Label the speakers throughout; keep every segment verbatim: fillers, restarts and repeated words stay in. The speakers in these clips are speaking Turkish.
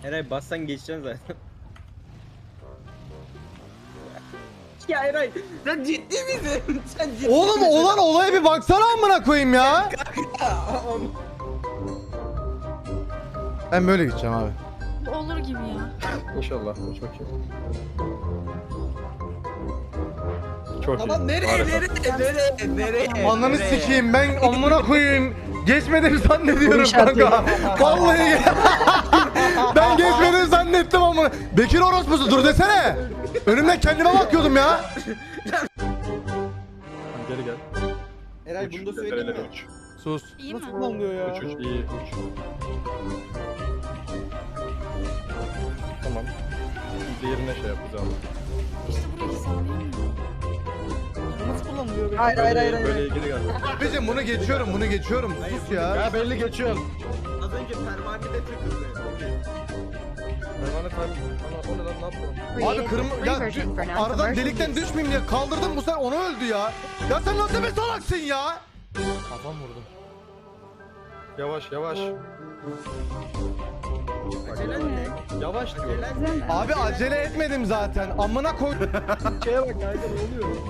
Speaker 1: Eray bassan geçeceksin zaten. Ya Eray sen ciddi misin? Sen ciddi
Speaker 2: Oğlum
Speaker 1: misin?
Speaker 2: olan olaya bir baksana amına koyayım ya. Ben böyle gideceğim abi.
Speaker 3: Olur gibi ya.
Speaker 4: İnşallah. Uç bakayım. Çok iyi.
Speaker 1: Aman nereye
Speaker 4: Harika.
Speaker 1: nereye nereye nereye?
Speaker 2: Ananı
Speaker 1: nereye?
Speaker 2: sikeyim ben amına koyayım. Geçmedim zannediyorum kanka. Vallahi ben geçmedim zannettim amına. Bekir orospusu dur desene. Önümden kendime bakıyordum ya.
Speaker 4: Geri gel.
Speaker 1: Eray
Speaker 4: Uç.
Speaker 1: bunu da söyleyeyim
Speaker 4: Nerelere
Speaker 1: mi?
Speaker 4: uç.
Speaker 2: Sus.
Speaker 3: İyi mi?
Speaker 1: Kullanılıyor ya.
Speaker 4: Uç uç iyi uç. Tamam. Biz de yerine şey yapacağız abi.
Speaker 3: İşte burayı sağlayamıyorum.
Speaker 1: Nasıl kullanılıyor be?
Speaker 5: Hayır hayır hayır.
Speaker 4: Böyle,
Speaker 5: hayır.
Speaker 4: böyle geri gel.
Speaker 2: Abicim bunu geçiyorum bunu geçiyorum. Sus ya.
Speaker 4: Ya belli geçiyorsun.
Speaker 1: Az önce pervanede takıldı.
Speaker 4: Pervane kayb... Ana o ne lan ne yaptın?
Speaker 2: Abi kırmızı ya dü- aradan delikten düşmeyeyim diye kaldırdım bu sefer onu öldü ya. Ya sen nasıl bir salaksın ya? Kafam vurdum.
Speaker 4: Yavaş yavaş.
Speaker 1: Acelen ne?
Speaker 4: Yavaş diyorum.
Speaker 1: Acelen ne?
Speaker 2: Abi acele etmedim zaten. Amına koy.
Speaker 4: Şeye bak kanka ne oluyor?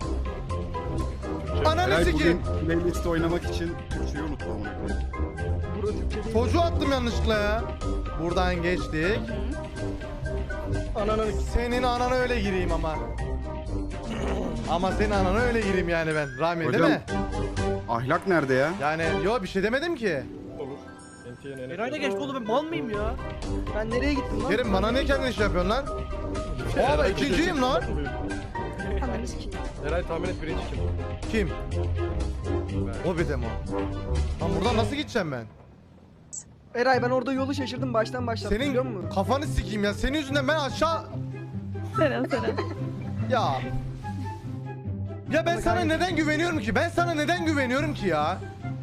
Speaker 2: Ananı
Speaker 6: Eray
Speaker 2: sikeyim.
Speaker 6: bugün playlist oynamak için Türkçeyi unuttum amına koyayım.
Speaker 2: Çocuğu attım yanlışlıkla ya. Buradan geçtik.
Speaker 4: Ananın
Speaker 2: Senin anana öyle gireyim ama. Ama senin anana öyle gireyim yani ben. Rami değil
Speaker 6: Hocam.
Speaker 2: mi?
Speaker 6: Ahlak nerede ya?
Speaker 2: Yani yo bir şey demedim ki.
Speaker 4: olur. N T N'ye
Speaker 1: Eray'la geçti oğlum ben mal mıyım ya?
Speaker 5: Ben nereye gittim lan?
Speaker 2: Kerim bana niye kendin iş yapıyorsun lan? Abi ikinciyim lan.
Speaker 5: Ananı sikeyim.
Speaker 4: Eray tahmin et birinci kim?
Speaker 2: Kim? O bir demo. Lan buradan nasıl gideceğim ben?
Speaker 5: Eray ben orada yolu şaşırdım baştan başlattım biliyor
Speaker 2: Senin
Speaker 5: musun?
Speaker 2: kafanı sikeyim ya. Senin yüzünden ben aşağı...
Speaker 3: Seren Seren.
Speaker 2: Ya. Ya ben sana neden güveniyorum ki? Ben sana neden güveniyorum ki ya?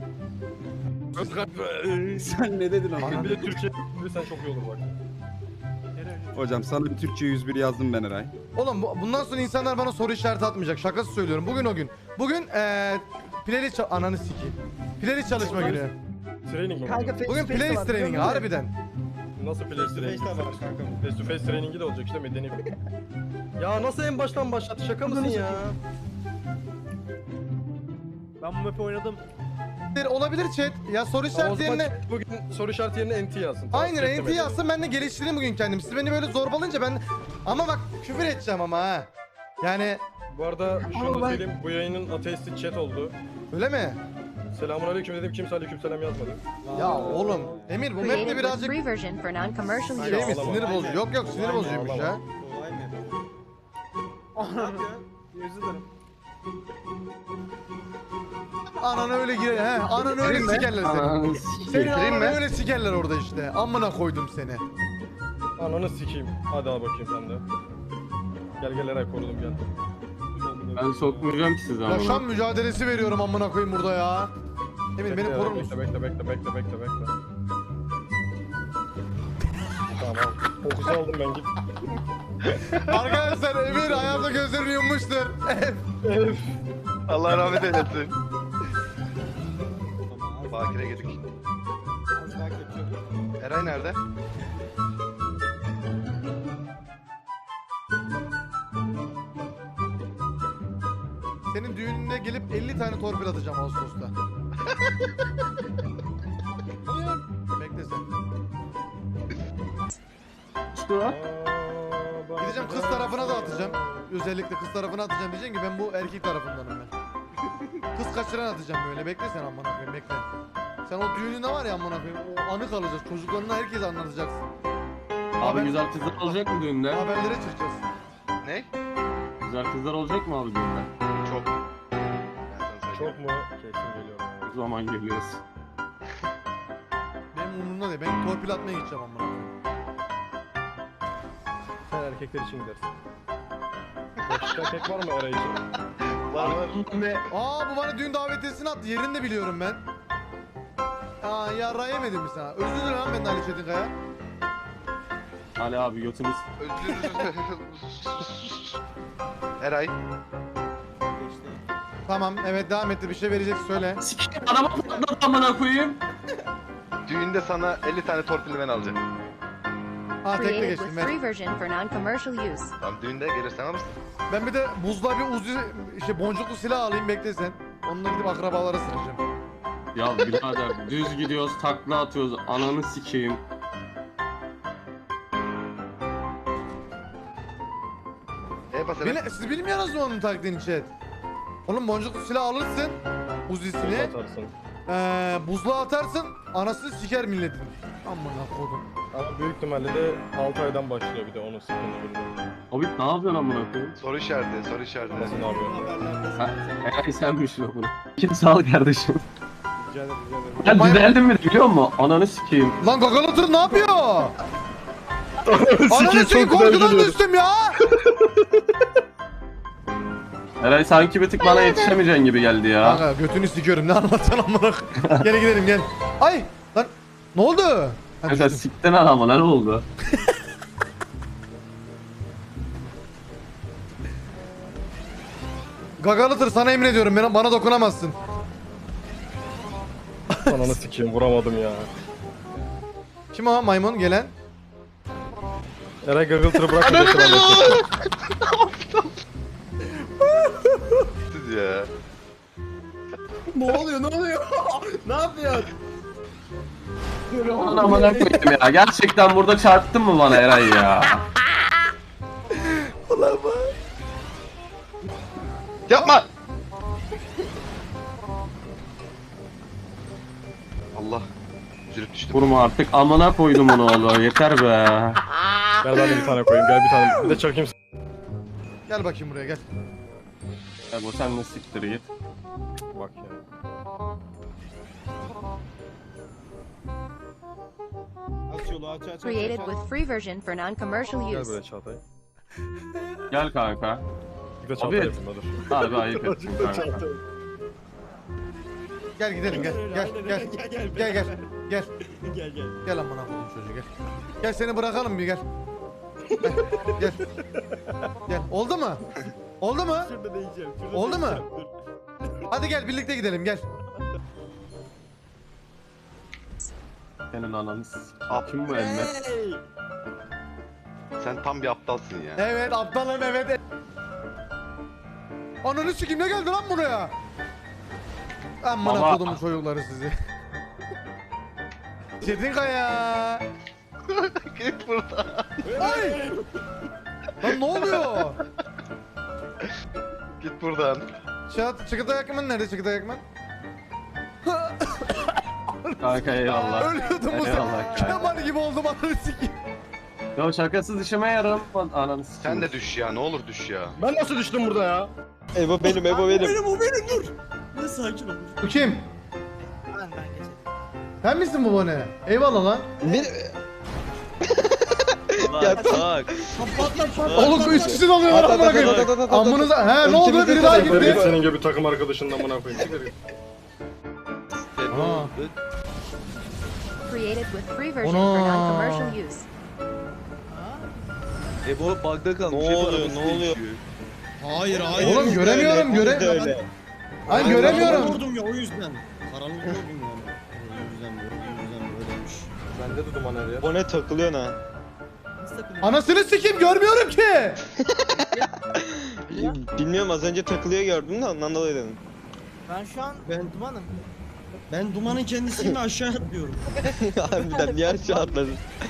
Speaker 6: Sen ne dedin ama?
Speaker 4: Bir de Türkçe sen çok iyi olur bak.
Speaker 6: Hocam sana bir Türkçe yüz bir yazdım ben Eray.
Speaker 2: Oğlum bu- bundan sonra insanlar bana soru işareti atmayacak. Şakası söylüyorum. Bugün o gün. Bugün eee playlist çal- ananı sikeyim. Playlist çalışma günü.
Speaker 4: Training mi?
Speaker 5: Kanka face
Speaker 2: Bugün
Speaker 5: to face de
Speaker 2: playlist
Speaker 5: var,
Speaker 2: training
Speaker 5: biliyor musun?
Speaker 2: harbiden.
Speaker 4: Nasıl place training?
Speaker 1: Face to face kanka.
Speaker 4: Face to face training'i de olacak işte medeni bir. Ya nasıl en baştan başlattı şaka mısın ya?
Speaker 1: Ben bu map'i oynadım.
Speaker 2: Olabilir chat. Ya soru
Speaker 4: O
Speaker 2: işareti
Speaker 4: zaman
Speaker 2: yerine
Speaker 4: bugün soru işareti yerine N T yazsın. Tamam,
Speaker 2: aynen
Speaker 4: chat
Speaker 2: N T
Speaker 4: demedi.
Speaker 2: yazsın ben de geliştireyim bugün kendimi. Siz beni böyle zorbalayınca ben ama bak küfür edeceğim ama ha. Yani
Speaker 4: Bu arada şunu
Speaker 5: Ama
Speaker 4: da
Speaker 5: ben-
Speaker 4: söyleyeyim bu yayının ateistik chat oldu.
Speaker 2: öyle mi?
Speaker 4: Selamun aleyküm dedim kimse aleyküm selam yazmadı.
Speaker 2: Ya oğlum Emir bu map'te
Speaker 7: Created with
Speaker 2: birazcık
Speaker 7: free version for non-commercial
Speaker 4: Şey
Speaker 2: şey
Speaker 7: use.
Speaker 2: mi sinir bozucu? Yok yok sinir
Speaker 4: Aynen,
Speaker 2: bozucuymuş ya.
Speaker 4: ağlama.
Speaker 1: Kolay mı? Ne yapıyorsun?
Speaker 5: Özür dilerim.
Speaker 2: Ananı öyle gire he. Ananı öyle sikerler seni. Senin ananı öyle sikerler orada işte. Amına koydum seni.
Speaker 4: Ananı sikeyim. Hadi al bakayım sen de. Gel gel Eray korudum gel.
Speaker 8: Ben sokmayacağım ki sizi ama.
Speaker 2: Yaşam mücadelesi veriyorum amına koyayım burada ya. Emir beni
Speaker 4: Bekle,
Speaker 2: korur
Speaker 4: bekle,
Speaker 2: musun?
Speaker 4: Bekle bekle bekle bekle bekle. Tamam. Fokus aldım ben git.
Speaker 2: Arkadaşlar Emir hayata gözlerini yummuştur.
Speaker 9: Allah rahmet eylesin. Bakire girdik.
Speaker 1: Az daha kaçıyordum.
Speaker 9: Eray nerede?
Speaker 2: Senin düğününe gelip elli tane torpil atacağım Ağustos'ta. Bekle sen. Gideceğim kız tarafına da atacağım. Özellikle kız tarafına atacağım diyeceksin ki ben bu erkek tarafındanım ben. Kız kaçıran atacağım böyle. Bekle sen amına koyayım bekle. Sen o düğününde var ya amına koyayım. O anı kalacağız. Çocuklarına herkese anlatacaksın.
Speaker 8: Abi güzel kızlar olacak mı düğünde?
Speaker 2: Haberlere çıkacağız.
Speaker 9: Ne?
Speaker 8: Güzel kızlar olacak mı abi düğünde?
Speaker 9: Çok. Ben sana söyleyeyim.
Speaker 4: Çok mu? Kesin geliyorum. yani.
Speaker 8: O zaman geliyoruz.
Speaker 2: Benim umurumda değil. Ben torpil atmaya gideceğim amına koyayım.
Speaker 4: Sen erkekler için gidersin. Yakışıklı erkek var mı Eray için?
Speaker 9: Var var.
Speaker 2: Aa bu bana düğün davetiyesini attı. Yerini de biliyorum ben. Aa ya yemedim mi sana? Özür dilerim lan ben de Ali Çetinkaya.
Speaker 8: Ali abi götünüz.
Speaker 9: Özür Eray.
Speaker 2: Tamam evet devam etti. Bir şey verecek söyle.
Speaker 8: Sikeyim araba patladı amına koyayım.
Speaker 9: Düğünde sana elli tane torpilli ben alacağım.
Speaker 2: Ha tekle
Speaker 7: Created
Speaker 2: geçtim
Speaker 7: with
Speaker 2: ver.
Speaker 7: free version for non-commercial use.
Speaker 9: Tam düğünde gelirsen alırsın.
Speaker 2: Ben bir de buzla bir uzi işte boncuklu silah alayım bekle sen. Onunla gidip akrabalara sıracağım.
Speaker 8: Ya birader düz gidiyoruz takla atıyoruz ananı sikeyim.
Speaker 9: E bas
Speaker 2: Bile,
Speaker 9: evet.
Speaker 2: siz bilmiyorsunuz mu onun taktiğini chat? Oğlum boncuklu silah alırsın. Uzisini.
Speaker 4: Atarsın.
Speaker 2: Ee, buzluğa atarsın. Anasını siker milletin. Amına kodum.
Speaker 4: Ama büyük ihtimalle de altı aydan başlıyor bir de onun sıkıntı bilmiyorum.
Speaker 8: Abi ne yapıyorsun amına koyayım?
Speaker 9: Soru işareti, soru işareti.
Speaker 4: Nasıl ne yapıyorsun?
Speaker 8: Ha, Eray senmişsin o bunu. Kim sağ ol kardeşim.
Speaker 4: Rica ederim, rica ederim.
Speaker 8: Ya düzeldim mi biliyor musun? Ananı sikeyim.
Speaker 2: Lan Gagalatır ne yapıyor? Ananı sikeyim korkudan düştüm ya.
Speaker 8: Eray sanki bir tık bana yetişemeyeceksin gibi geldi ya.
Speaker 2: Kanka götünü sikiyorum ne anlatacaksın amına. Gel gidelim gel. Ay lan ne oldu? Ha,
Speaker 8: Kanka
Speaker 2: düştüm.
Speaker 8: siktin adamı ne oldu?
Speaker 2: Gagalatır sana emrediyorum bana, bana dokunamazsın.
Speaker 4: Ananı sikeyim vuramadım ya.
Speaker 2: Kim o maymun gelen?
Speaker 4: Eray Gaggle'tırı bırak da geçelim.
Speaker 9: Siz ya.
Speaker 1: Ne oluyor ne oluyor? Ne yapıyorsun?
Speaker 8: Aman amına koyayım ya. Gerçekten burada çarptın mı bana Eray ya?
Speaker 9: Yapma! Allah. Üzülüp düştüm.
Speaker 8: Vurma artık amına koydum onu oğlum yeter be.
Speaker 4: Gel ben de bir tane koyayım gel bir tane. Bir de çakayım.
Speaker 2: Gel bakayım buraya gel.
Speaker 8: Ya bu sen de siktir git.
Speaker 4: Bak ya.
Speaker 7: Created with free version for non-commercial
Speaker 4: Gel
Speaker 7: use.
Speaker 4: buraya Çağatay.
Speaker 8: Gel kanka.
Speaker 4: Bir de Çağatay
Speaker 8: Abi.
Speaker 4: yapayım da dur.
Speaker 8: Harbi ayıp ettin kanka.
Speaker 2: Gel gidelim gel gel gel gel gel gel gel gel gel gel amına koyayım çocuğu gel. Gel seni bırakalım bir gel. Gel gel. Gel oldu mu? Oldu mu? Oldu mu? Hadi gel birlikte gidelim gel.
Speaker 8: Senin ananı sikeyim.
Speaker 9: Ap-
Speaker 8: Kim bu emme?
Speaker 9: Sen tam bir aptalsın ya.
Speaker 2: Evet aptalım evet. Ananı sikeyim ne geldi lan buraya? Amına
Speaker 8: Baba.
Speaker 2: kodumun çocukları sizi. Çetinkaya.
Speaker 9: Git buradan.
Speaker 2: Ay! Lan ne oluyor?
Speaker 9: Git buradan.
Speaker 2: Çat, Çıkıtay Akman nerede Çıkıtay Akman?
Speaker 8: Kanka eyvallah.
Speaker 2: Ölüyordum bu
Speaker 8: Eyvallah
Speaker 2: sefer.
Speaker 8: kanka.
Speaker 2: Kemal gibi oldum ananı sikeyim.
Speaker 8: Ya şakasız işime yarım. Ananı sikeyim.
Speaker 9: Sen de düş ya, ne olur düş ya.
Speaker 4: Ben nasıl düştüm burada ya?
Speaker 5: Ebo benim, Ebo benim.
Speaker 1: Benim o benim dur. Ne sakin ol.
Speaker 2: Bu kim?
Speaker 1: Ben ben geçelim.
Speaker 2: Sen misin bu bone? Eyvallah lan.
Speaker 5: Ya tak.
Speaker 2: Oğlum üç kişi alıyor lan amına koyayım. Amınıza he ne oldu biri daha
Speaker 4: Sen git
Speaker 2: gitti.
Speaker 4: senin gibi takım arkadaşından bana koyayım. Siktir git.
Speaker 2: Aa.
Speaker 7: Created with free version
Speaker 2: Ana.
Speaker 7: for non-commercial use.
Speaker 5: Ebo bug'da kalmış. Ne oluyor, ne oluyor?
Speaker 1: Hayır hayır.
Speaker 2: Oğlum göremiyorum göre. Ay göremiyorum.
Speaker 1: Vurdum ya o yüzden. Karanlık vurdum yani. O yüzden böyle, o yüzden böyleymiş.
Speaker 4: Bende de duman her yer.
Speaker 5: O ne takılıyor ha?
Speaker 1: Nasıl takılıyor?
Speaker 2: Anasını sikeyim görmüyorum ki.
Speaker 5: Bilmiyorum az önce takılıyor gördüm de ondan dolayı dedim.
Speaker 1: Ben şu an ben dumanım. Ben dumanın kendisiyim aşağı atlıyorum.
Speaker 5: Harbiden niye aşağı atladın?